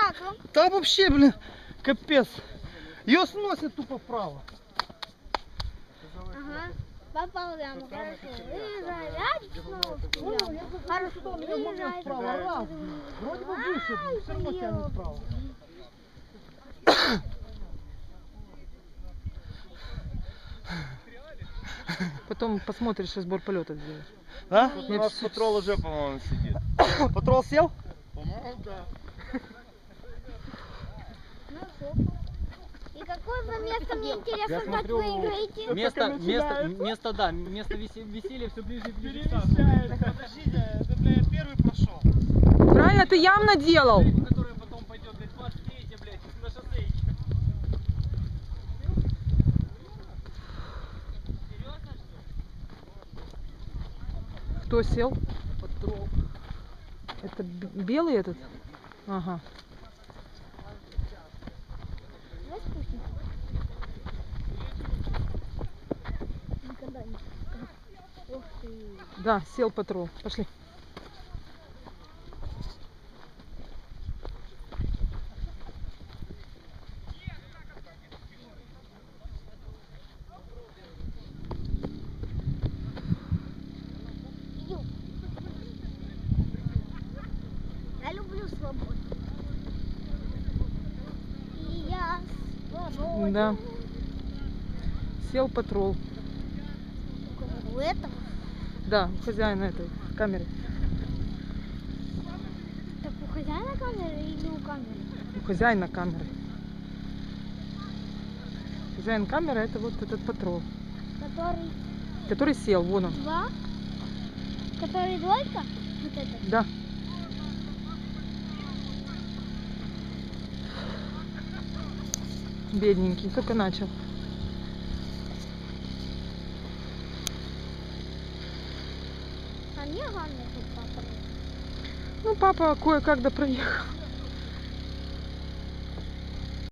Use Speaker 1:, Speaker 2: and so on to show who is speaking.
Speaker 1: как вам?
Speaker 2: Да вообще, блин, капец. Ее сносит тупо вправо.
Speaker 1: Ага. Попал прямо, хорошо. Выезжай, хорошо, выезжай.
Speaker 2: Вправо, раз. Вроде бы выше, все равно тянет вправо.
Speaker 3: Потом посмотришь и сбор полета сделаешь.
Speaker 2: А?
Speaker 4: У нас патрол уже, по-моему, сидит.
Speaker 2: Патрол сел?
Speaker 4: По-моему, да.
Speaker 1: Ну, супер. И какое вы место, мне интересно, как вы играете?
Speaker 5: Место веселья все ближе и ближе.
Speaker 2: Подождите, это, блядь, первый прошел.
Speaker 3: Правильно, ты явно делал.
Speaker 5: Которая потом пойдет, блядь, 23, блядь, на шоссе.
Speaker 3: Кто сел? Это белый этот? Ага.
Speaker 1: Давай спустимся. Никогда не спускался. Ух ты.
Speaker 3: Да, сел патрул. Пошли.
Speaker 1: Я люблю свободу. И я свободен.
Speaker 3: Да. Сел патрул.
Speaker 1: У этого?
Speaker 3: Да, у хозяина этой камеры.
Speaker 1: Так у хозяина камеры или у камеры?
Speaker 3: У хозяина камеры. Хозяин камеры это вот этот патрул.
Speaker 1: Который
Speaker 3: Который сел, вон он.
Speaker 1: два? Который двойка? Вот это?
Speaker 3: Да. Бедненький, только начал.
Speaker 1: А мне главное, чтобы папа.
Speaker 3: Ну, папа кое-как да проехал.